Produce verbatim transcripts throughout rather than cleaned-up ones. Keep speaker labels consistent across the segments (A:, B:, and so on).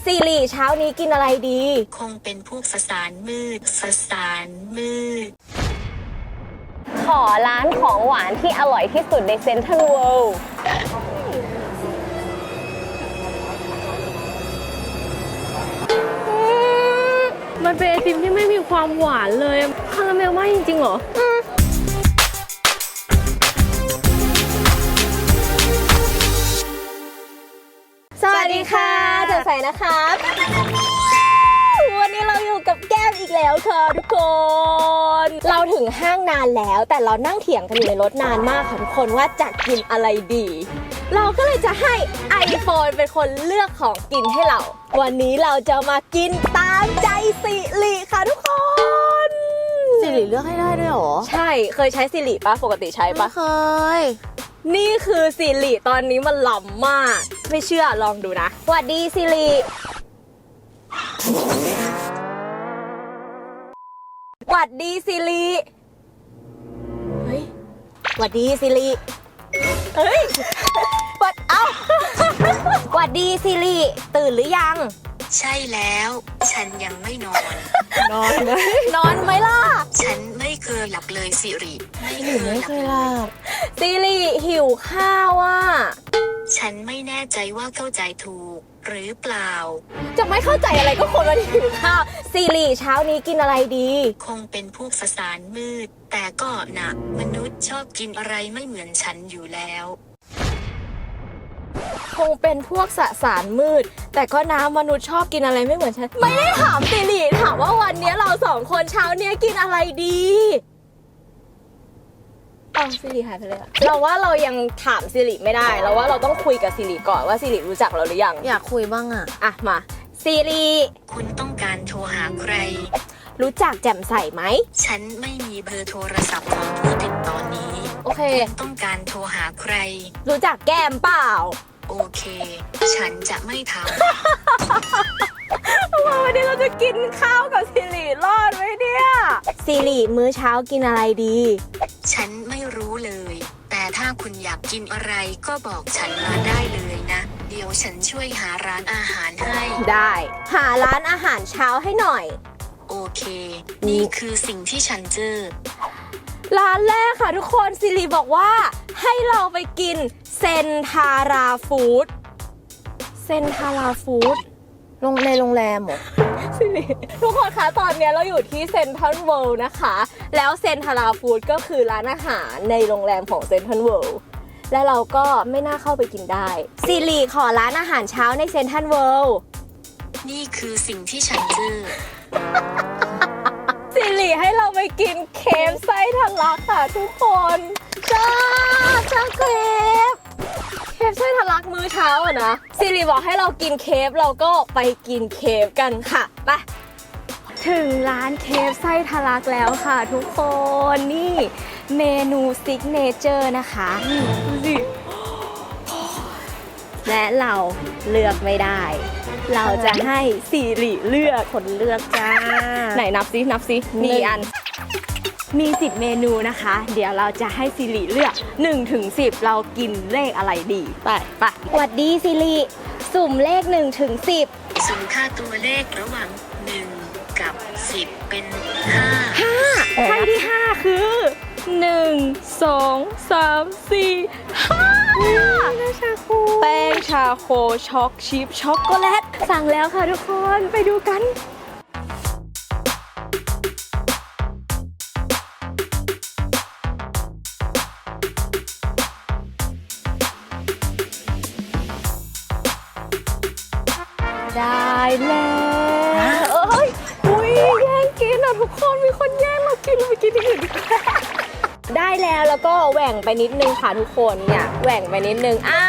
A: สิริเช้านี้กินอะไรดี
B: คงเป็นพวกสสารมืดสสารมืด
A: ขอร้านของหวานที่อร่อยที่สุดในเซ็นทรัลเวิลด์
C: มันเป็นไอติมที่ไม่มีความหวานเลยคาราเมลมากจริงๆเหรอ
A: สวัสดีค่ะเจอใส่นะคะวันนี้เราอยู่กับแก้มอีกแล้วค่ะทุกคนเราถึงห้างนานแล้วแต่เรานั่งเถียงกันอยู่ในรถนานมากค่ะทุกคนว่าจะกินอะไรดีเราก็เลยจะให้ iPhone เป็นคนเลือกของกินให้เราวันนี้เราจะมากินตามใจสิริค่ะทุกคน
D: สิริเลือกให้ได้ด้วยหรอ
A: ใช่เคยใช้สิริปะปกติใช้ปะ
D: ไม่เคย
A: นี่คือสิริตอนนี้มันล้ำมากไม่เชื่อลองดูนะสวัสดีสิริสวัสดีสิริเฮ้ยสวัสดีสิริเฮ้ยวัดเอ้าสวัสดีสิริตื่นหรือยัง
B: ใช่แล้วฉันยังไม่นอน
A: นอนไหมนอนไหมล่ะ
B: ฉันไม่เคยหลับเลยสิริไม่เคย
D: ไม่เคยหลับ
A: สิริหิวข้าวอ่ะ
B: ฉันไม่แน่ใจว่าเข้าใจถูกหรือเปล่า
A: จะไม่เข้าใจอะไรก็คนมันหิวข้าวสิริเช้านี้กินอะไรดี
B: คงเป็นพวกสสารมืดแต่ก็นะมนุษย์ชอบกินอะไรไม่เหมือนฉันอยู่แล้ว
A: คงเป็นพวกสสารมืดแต่ก็น้ำมนุษย์ชอบกินอะไรไม่เหมือนฉันไม่ได้ถามสิริถามว่าวันนี้เราสองคนเช้านี้กินอะไรดีเอาสิริหายไปเลยเราว่าเรายังถามสิริไม่ได้เราว่าเราต้องคุยกับสิริก่อนว่าสิริรู้จักเราหรือยัง
D: อยากคุยบ้างอะ
A: อ่ะมาสิริ
B: คุณต้องการโทรหาใคร
A: รู้จักแจ่มใสไหม
B: ฉันไม่มีเบอร์โทรศัพท์ของผู้ติดต่อนี้
A: โอเค
B: ต้องการโทรหาใคร
A: รู้จักแก้มเปล่า
B: โอเคฉันจะไม่ทำ
A: วันนี้เราจะกินข้าวกับสิริรอดไหมเนี่ยสิริมื้อเช้ากินอะไรดี
B: ฉันไม่รู้เลยแต่ถ้าคุณอยากกินอะไรก็บอกฉันมาได้เลยนะเดี๋ยวฉันช่วยหาร้านอาหารให้
A: ได้หาร้านอาหารเช้าให้หน่อย
B: โอเคนี่คือสิ่งที่ฉันเจอ
A: ร้านแรกค่ะทุกคนสิริบอกว่าให้เราไปกินเซนทาราฟู้ดเซนทาราฟู้ด
D: ลงในโรงแรมเหรอ
A: สิริทุกคนคะตอนนี้เราอยู่ที่เซ็นทรัลเวิลด์นะคะแล้วเซนทาราฟู้ดก็คือร้านอาหารในโรงแรมของเซ็นทรัลเวิลด์แล้วเราก็ไม่น่าเข้าไปกินได้สิริขอร้านอาหารเช้าในเซ็นทรัลเวิลด์
B: นี่คือสิ่งที่ฉันเจอ
A: สิริให้เราไปกินเคฟไส้ทะลักค่ะทุกคนจ้าจ้าเคฟเคฟไส้ทะลักมื้อเช้าอะนะสิริบอกให้เรากินเคฟเราก็ไปกินเคฟกันค่ะไปถึงร้านเคฟไส้ทะลักแล้วค่ะทุกคนนี่เมนูซิกเนเจอร์นะคะนี่ดูสิและเราเลือกไม่ได้เราจะให้สิริเลือก
D: คนเลือกจ้า
A: ไหนนับซินับซิมีอันมีสิบเมนูนะคะเดี๋ยวเราจะให้สิริเลือกหนึ่งถึงสิบเรากินเลขอะไรดีไปไปสวัสดีสิริสุ่มเลขหนึ่งถึงสิบ
B: สุ่มค่าตัวเลขระหว่างหนึ่งกับสิบเป็นห้า
A: ห้าไพ่ที่ห้าคือหนึ่ง สอง สาม สี่ ห้าชาโคแป้งชาโคช็อกชิพช็อกโกแลตสั่งแล้วค่ะทุกคนไปดูกันได้แล้วเอ้ยอุ้ยแย่งกินอ่ะทุกคนมีคนแย่งเรากินเราไปกินที่อื่นดีกว่าได้แล้วแล้วก็แหว่งไปนิดนึงค่ะทุกคนเนี่ยแหว่งไปนิดนึงอ้า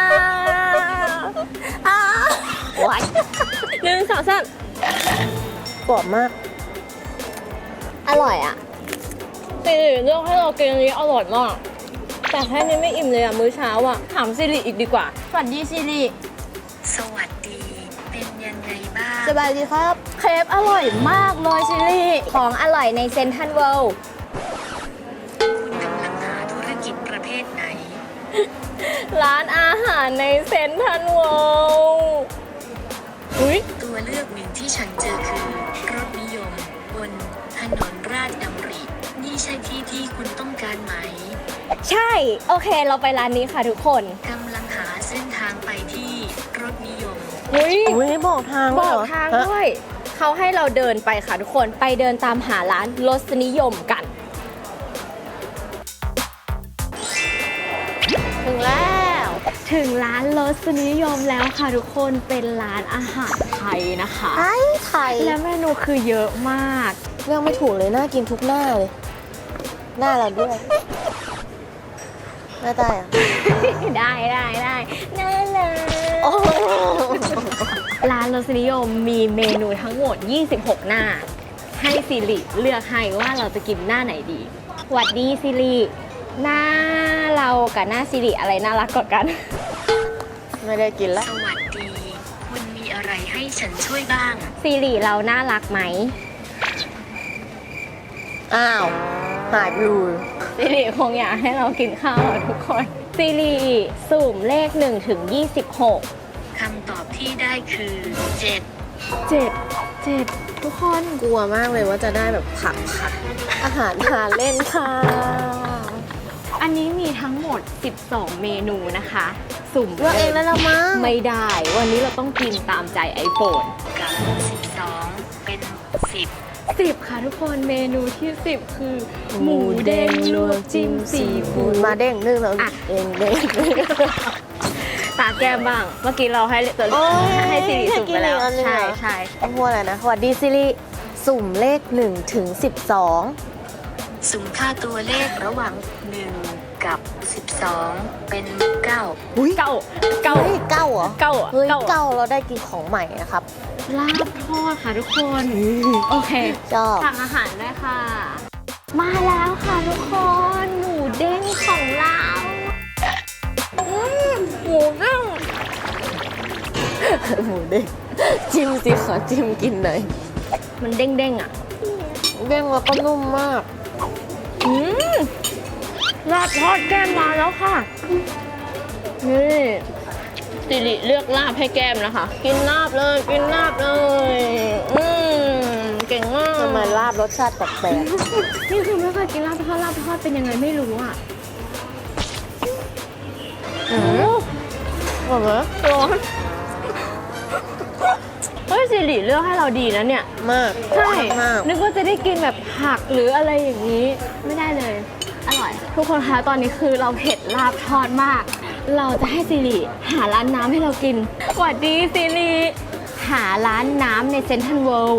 A: อ้าว้ายหนึ่งสองสาม
D: กรอบมาก
A: อร่อยอ่ะสิริเลือกให้เรากินอันนี้อร่อยมากแต่แค่นี้ไม่อิ่มเลยอ่ะมื้อเช้าอ่ะถามสิริอีกดีกว่าสวัสดีสิริ
B: สวัสดีเป็นยังไงบ้าง
D: สบายดีครับ
A: เคฟอร่อยมากเลยสิริของอร่อยในเซ็นทรัลเวิลด์
B: คุณกำลังหาธุรกิจประเภทไหน
A: ร้านอาหารในเซ็นทรัลเวิลด์อุ้ย
B: ตัวเลือกหนึ่งที่ฉันเจอคือรถนิยมบนถนนราชดำรินี่ใช่ที่ที่คุณต้องการไหม
A: ใช่ โอเค เราไปร้านนี้ค่ะทุกคน
B: กำลังหาเส้นทางไปที่รถนิยม
A: อุ้ย
D: อุ้ยบอกทาง
A: บ
D: ด้วย
A: อก
D: เหรอ
A: ทาง
D: ฮะ
A: ด้วย เขาให้เราเดินไปค่ะทุกคน ไปเดินตามหาร้านรสนิยมกัน
D: ถึงแล้ว
A: ถึงร้านรสนิยมแล้วค่ะทุกคน เป็นร้านอาหารไทยนะคะ
D: ไทยไทย
A: และเมนูคือเยอะมาก
D: เรื่องไม่ถูกเลยน่ากินทุกหน้าเลย หน้าเราด้วยหน้าตายอ่ะ
A: ได้ได้ได้น่ารัก
D: โอ้
A: ร้านรสนิยมมีเมนูทั้งหมด ยี่สิบหก หน้า ให้ซิริเลือกให้ว่าเราจะกินหน้าไหนดีหวัดดีซิริหน้าเรากับหน้าซิริอะไรน่ารักกว่ากัน
D: ไม่ได้กิน
B: ส
D: ละ
B: วัสดี คุณมีอะไรให้ฉันช่วยบ้าง
A: ซิริเราน่ารักไหม
D: อ้าวหายไปเลย
A: ซิริคงอยากให้เรากินข้าวอะทุกคนซิริสุ่มเลขหนึ่งถึงยี่สิบหก
B: คำตอบที่ได้คือเจ็ด
A: เจ็ดเจ็ดทุกคน
D: กลัวมากเลยว่าจะได้แบบผักผักอาหารทานเล่นค่ะ
A: อันนี้มีทั้งหมด สิบสอง เมนูนะคะ สุ่ม
D: เลือกเองแล้วละมั้ง
A: ไม่ได้ วันนี้เราต้องกินตามใจไอโฟน
B: กับสิบสองเป็นสิบ
A: สิบค่ะทุกคนเมนูที่สิบคือ หมูเด้งลวกจิ้มซีฟู้ด
D: มาเด้งนึ่งแล้ว
A: อ่ะ
D: เด้งเด้ง
A: ตาแก้มบ้าง เมื่อกี้เราให้ตัว
D: โอ้ย
A: ให้ซิริสุ่มไปแล้ว
D: ให้กินอีกอันหนึ่ง
A: ใช่
D: เหรอ
A: ใช่
D: ต้องพูดอะไรนะสวัสดีซิริสุ่มเลขหนึ่งถึงสิบสอง
B: สุ่มค่าตัวเลขระหว่างหนึ่งกับสิบสองเป็นเก้า
D: อุ้ย
A: เก้าเก้า
D: เฮ้ยเก้าเหรอ
A: เก้าอะ
D: เฮ้ย
A: เก้าอะ
D: เก้าเราได้กินของใหม่นะครับ
A: ลาบทอดค่ะทุกคน โอเค
D: ชอบ
A: สั่งอาหารได้ค่ะ มาแล้วค่ะทุกคน หมูเด้งของเราอืมหมูเด้ง
D: หมูเด้งจิ้มสิขอจิ้มกินหน่อย
A: มันเด้งๆอ่ะ
D: เด้งแล้วก็นุ่มมาก
A: อืมลาบทอดแก้มมาแล้วค่ะ นี่สิริเลือกลาบให้แก้มนะคะ กินลาบเลย กินลาบเลย อืมเก่งมาก
D: ทำไมลาบรสชาติแปลก
A: นี่คือไม่เคยกินลาบทอดลาบทอดเป็นยังไงไม่รู้อ่ะ
D: ๆอืมอร่อยไหม
A: ร้อนเฮ้ยสิริเลือกให้เราดีนะเนี่ย
D: มาก
A: ใช่
D: มาก
A: นึกว่าจะได้กินแบบผักหรืออะไรอย่างนี้ ไม่ได้เลย อร่อย ทุกคนคะตอนนี้คือเราเผ็ดลาบทอดมาก เราจะให้สิริหาร้านน้ำให้เรากินสวัสดีสิริหาร้านน้ำในเซ็นทรัลเวิลด์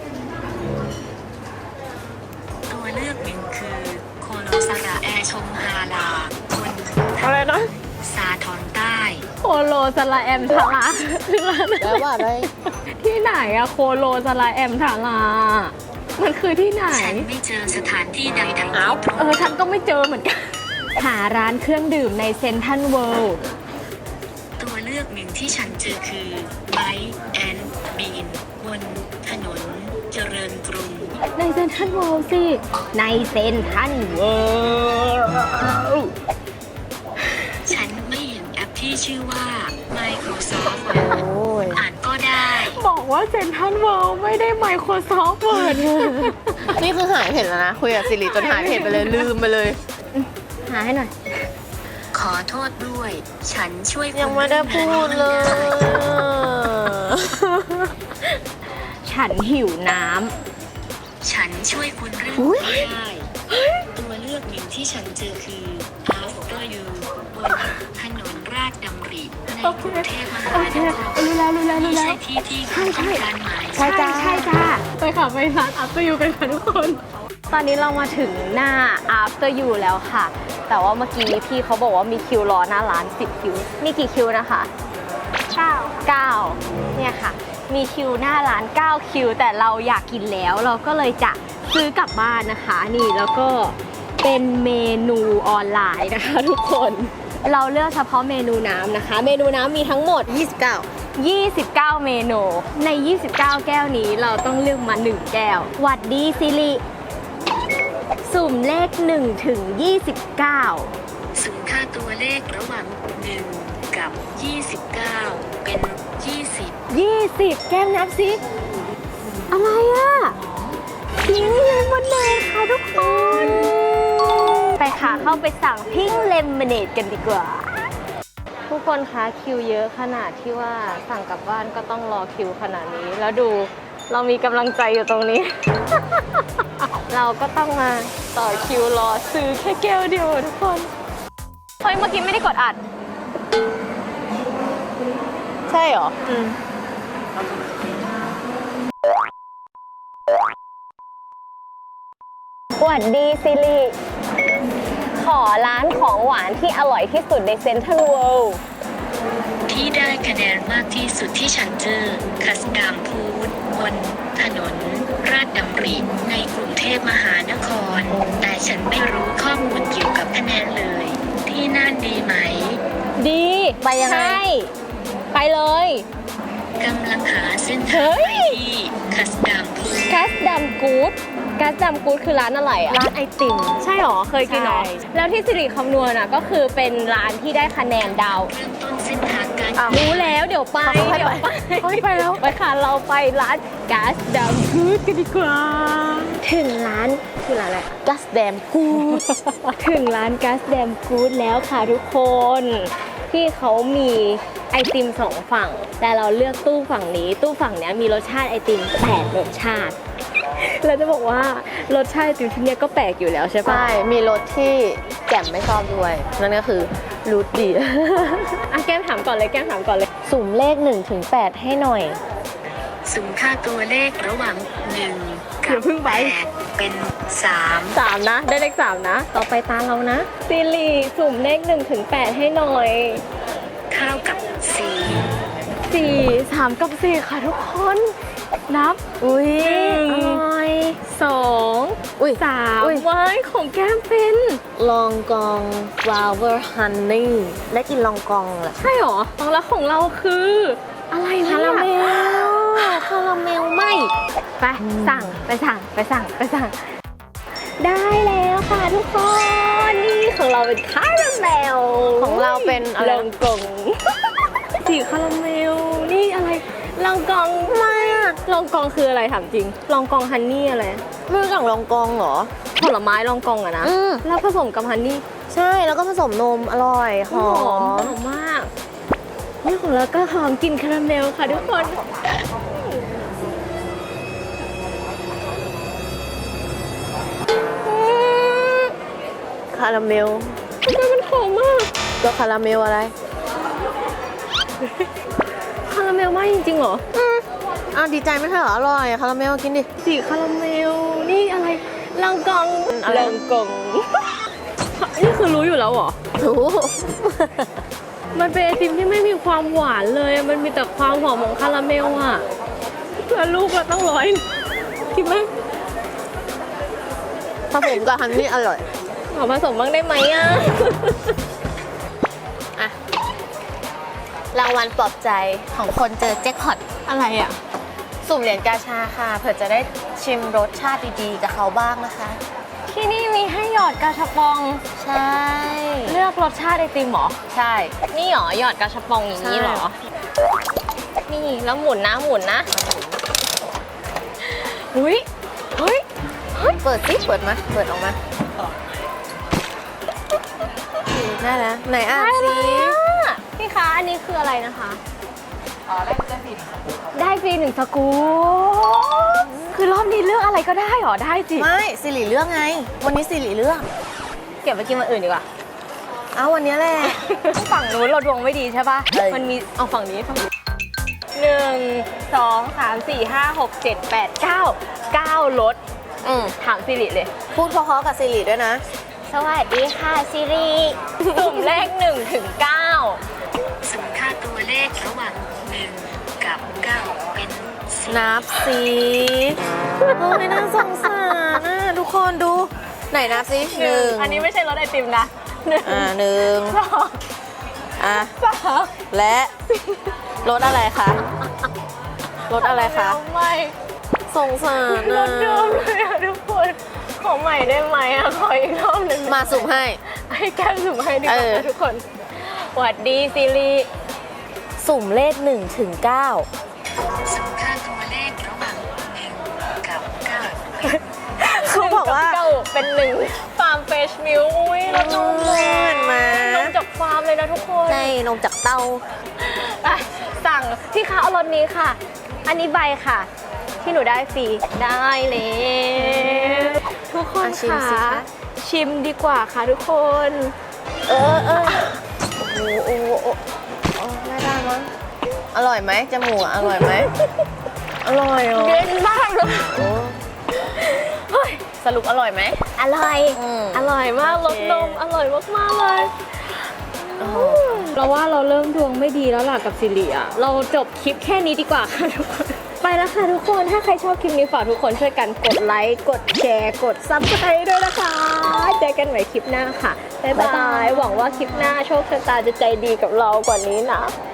B: ตัวเลือกหนึ่งคือโคโนซาระแอชงฮาลาบน
D: อะไรนะ
B: สาทรใต้
A: โคโลสลาแอมทาราคือร้านอะ
D: แปล
A: ไร
D: ว่าอะไร
A: ที่ไหนอะโคโลสลาแอมทารามันคือที่ไหน
B: ฉันไม่เจอสถานที่ใดๆที่
A: อ้าว
B: ตรง
A: เออฉันก็ไม่เจอเหมือนกัน หาร้านเครื่องดื่มในเซ็นทรัลเวิลด์
B: ตัวเลือกหนึ่งที่ฉันเจอคือไบแอนบีนบนถนนเจริญกรุง
A: ในเซ็นทรัลเวิลด์สิ ในเซ็นทรัลเวิลด์
B: ฉันไม่เห็นแอปที่ชื่อว่า Microsoft
D: โอ้ย
B: อ่านก็ได้
A: บอกว่าเซ็นทรัลเวิลด์ไม่ได้ Microsoft Word
D: นี่คือหายเห็นแล้วนะ คุยกับสิริจนหายเห็นไปเลยลืมไปเลย
A: หาให้หน่อย
B: ขอโทษด้วย ฉันช่วยคุณ
D: ยังไม่ได้พูดเลย
A: ฉันหิวน้
B: ฉันช่วยคุณเรื่อง
D: อุ๊ย
B: ไม่ได้ ตัวเลือกหนึ่งที่ฉันเจอคือ After You บนถนนราชดำริในกรุงเทพม
A: ำ
B: หา
A: โอน เค
B: คร
A: รู้แล้วรู้แล้วรู้
B: นี่
A: แล้
B: ใช่
A: ว
B: ที่ที่คุณต้องการไหม
D: ใช่จ้า
A: ใช่จ้าไปค่ะไปร้าน After You กันค่ะทุกคน ตอนนี้เรามาถึงหน้า After You แล้วค่ะ แต่ว่าเมื่อกี้พี่เขาบอกว่ามีคิวรอหน้าร้านสิบคิว มีกี่คิวนะคะเก้าเก้าเนี่ยค่ะ มีคิวหน้าร้านเก้าคิว แต่เราอยากกินแล้วเราก็เลยจะซื้อกลับบ้านนะคะ นี่แล้วก็เป็นเมนูออนไลน์นะคะทุกคน เราเลือกเฉพาะเมนูน้ำนะคะ เมนูน้ำมีทั้งหมด
D: ยี่สิบเก้า
A: ยี่สิบเก้า เมนู ใน ยี่สิบเก้า แก้วนี้เราต้องเลือกมา หนึ่ง แก้วหวัดดีซิริสุ่มเลขหนึ่งถึงยี่สิบเก้า
B: สุ่มค่าตัวเลขระหว่างหนึ่งกับยี่สิบเก้าเป็นยี่สิบ
A: ยี่สิบแก้มนับสิอะไรอ่ะพิงค์เลมอนเนดค่ะทุกคน ไปค่ะเข้าไปสั่งพิงค์เลมอนเนดกันดีกว่า ทุกคนคะคิวเยอะขนาดที่ว่าสั่งกลับบ้านก็ต้องรอคิวขนาดนี้ แล้วดูเรามีกำลังใจอยู่ตรงนี้ เราก็ต้องมาต่อคิวรอซื้อแค่แก้วเดียวทุกคนเฮ้ยเมื่อกี้ไม่ได้กดอัด ใช่เหรออืมสวัสดีซิริขอร้านของหวานที่อร่อยที่สุดในเซ็นทรัลเวิลด์
B: ที่ได้คะแนนมากที่สุดที่ฉันเจอคัสดามพูดบนถนนราชดำริในกรุงเทพมหานคร แต่ฉันไม่รู้ข้อมูลเกี่ยวกับคะแนนเลย ที่นั่นดีไหม
A: ดี
D: ไปยังไง
A: ใช่ไปเลย
B: กำลังหาเส้นทางไปที่คัสดามพูด
A: กัสดัมกู๊ดกัสดัมกู๊ดคือร้านอะไรอ่ะ
D: ร้านไอติม
A: ใช่หรอ เคยกินหรอ
D: ใช่
A: แล้วที่สิริคำนวณอ่ะก็คือเป็นร้านที่ได้คะแนนดาว
B: เริ่มต้นเส้นทางการ
D: อ้าว
A: รู้แล้วเดี๋ยวไป
D: ไป
A: เดี๋ยวไป
D: เฮ้ยไปแล้ว
A: ไปค่ะเราไปร้านกัสดัมกู๊ดกันดีกว่า ถึงร้านคือร้านอะไร
D: กัสแดมกูด
A: ถึงร้านกัสแดมกู๊ดแล้วค่ะทุกคนที่เขามีไอติมสองฝั่ง แต่เราเลือกตู้ฝั่งนี้ ตู้ฝั่งเนี้ยมีรสชาติไอติมแปดรสชาติเราจะบอกว่ารสชาติไอติมที่เนี้ยก็แปลกอยู่แล้วใช่ปะ
D: ใช่ มีรถที่แจ่มไม่ชอบด้วย นั่นก็คือรูทดี
A: อ่ะแก้มถามก่อนเลยแก้มถามก่อนเลย
D: สุ่มเลขหนึ่งถึงแปดให้หน่อย
B: สุ่มค่าตัวเลขระหว่างหนึ่ง
A: อ
B: กั
A: ย่า
B: บ
A: เพิ่งไป
B: แปดเป็นสาม
A: สามนะ ได้เลขสามนะ ต่อไปตาเรานะซิลีสุ่มเลขหนึ่งถึงแปดให้หน่อย
B: เท่ากับสี่
A: สี่สามกับสี่ค่ะทุกคน นับ
D: อุ้ย
A: หนึ่ง
D: อร่อย
A: สอง
D: อุ้ย
A: สาม
D: อุ๊ย
A: ไว้ของแก้มเป็น
D: ลองกองฟลาวเวอร์ฮันนี่ได้กินลองกองแหละ
A: ใช่หรอแล้วของเราคือ อะไรวะ
D: คาราเม
A: เนี่ย
D: ล คาราเมลไหม
A: ไปสั่งไปสั่งไปสั่งไปสั่ง ได้แล้วค่ะทุกคน นี่ของเราเป็นคาราเมล
D: ของเราเป็นอะไร
A: ลองกอง สีคาราเมล นี่อะไรลองกองไม่อะลองกองคืออะไรถามจริง ลองกองฮันนี่อะไร
D: ไม่รู้จักลองกองเหรอ
A: ผลไม้ลองกองอะนะ
D: อืม
A: แล้วผสมกับฮันนี่
D: ใช่แล้วก็ผสมนมอร่อย หอ
A: หอ
D: ม
A: มมาก นี่ของเราก็หอมกลิ่นคาราเมลค่ะทุกคน
D: คาราเมล
A: ทำไมมันหอมมาก
D: ก็คาราเมลอะไร
A: คาราเมลมากจริงๆเหรอ
D: อ้าวดีใจไม่ใช่เหรอ อร่อยอะคาราเมลกินดิ
A: สีคาราเมล นี่อะไรลองกอง
D: อะไร
A: ลองกอง นี่คือรู้อยู่แล้วเหรอ
D: รู้
C: มันเป็นไอติมที่ไม่มีความหวานเลย มันมีแต่ความหอมของคาราเมลอ่ะแล้วลูกเราต้องร้อยคิดไหม
D: ผสมกับฮันนี่อร่อย
A: ขอผสมบ้างได้ไหมอ่ะ
D: อะรางวัลปลอบใจของคนเจอแจ็คพอต
A: อะไรอ่ะ
D: สุ่มเหรียญกาชาค่ะ เผื่อจะได้ชิมรสชาติดีๆกับเขาบ้างนะคะ
A: ที่นี่มีให้หยอดกาชาปอง
D: ใช่
A: เลือกรสชาติไอติมเหรอ
D: ใช่
A: นี่เหรอหยอดกาชาปองอย่างนี้เหรอ
D: ใช่
A: นี่แล้วหมุนนะหมุนนะอุ้ยเฮ้ย
D: เปิดสิเปิดมา เปิดออกมาได้แล้ว ไหนอ่านสิ
A: พี่คะอันนี้คืออะไรนะคะอ๋อได้ฟรีได้ฟรีหนึ่งสกู๊ปคือรอบนี้เลือกอะไรก็ได้เหรอได้สิ
D: ไม่สิริเลือกไง วันนี้สิริเลือก
A: เก็บไปกินวันอื่นดีกว่า
D: เอาวันนี้แหละ
A: ฝั่งนู้นเราดวงไม่ดีใช่ปะ
D: เออ
A: มันมีเอาฝั่งนี้ฝั่งนี้หนึ่งสองสามสี่ห้าหกเจ็ดแปดเก้าเก้ารถ
D: อืม
A: ถามสิริเลย
D: พูดเพราะๆกับสิริด้วยนะ
A: สวัสดีค่ะซิริสุ่มเลขหนึ่งถึงเก้า
B: สุ่มค่าตัวเลขระหว่างหนึ่งกับเก้าเป็นสี่
D: นับสิโอ้ยน่าสงสารนะทุกคนดู ไหนนับสิหนึ่ง
A: อันนี้ไม่ใช่รถไอติมนะหนึ่ง
D: อ่าหนึ่ง
A: สอง
D: อ่ะ
A: สาม
D: และรถอะไรคะรถอะไรคะ
A: ไม่
D: สงสาร
A: ร
D: นะ
A: ถเดิมเลยอะทุกคนขอใหม่ได้ไหมอะขออีกรอบหนึ่ง
D: มาสุ่มให้
A: ให้แก้มสุ่มให้ดีกว่า
D: เออ
A: นะทุกคนสวัสดีซิริ
D: สุ่มเลขหนึ่งถึงเก้า
B: สุ่มค่าตัวเลขระหว่างหนึ่งกับเก้า
D: เขาบอกว่า
A: เก้าเป็นหนึ่งฟาร์มเฟชมิลอุ้ยเรานม
D: เห็นไหม
A: นมจากฟาร์มเลยนะทุกคน
D: ในนมจากเต้า
A: ไปสั่งพี่คะเอารสนี้ค่ะ อันนี้ใบค่ะ ที่หนูได้ฟรีได้เลยทุกคน
D: อ่ะชิม
A: ค่ะ
D: สิคะ
A: ชิมดีกว่าค่ะทุกคน
D: เออเออโอ้โอ้โอ้โอ้ไม่ได้มั้งอร่อยไหมจมูกอะอร่อยไหม อร่อยเหรอ
A: เย็นมากเลย
D: โอ้
A: เฮ้ย
D: สรุปอร่อยไหม
A: อร่อย
D: อืม
A: อร่อยมากร
D: โอ
A: ส
D: เค
A: นมอร่อยมากๆเลย
D: โอ้โห
C: เราว่าเราเริ่มดวงไม่ดีแล้วล่ะกับสิริอะเราจบคลิปแค่นี้ดีกว่าค่ะทุกคน
A: ไปแล้วค่ะทุกคน ถ้าใครชอบคลิปนี้ฝากทุกคนช่วยกันกดไลค์ กดแชร์ กดซับสไครต์ด้วยนะคะ เจอกันใหม่คลิปหน้าค่ะ บ๊ายบาย หวังว่าคลิปหน้าโชคชะตาจะใจดีกับเรากว่านี้นะ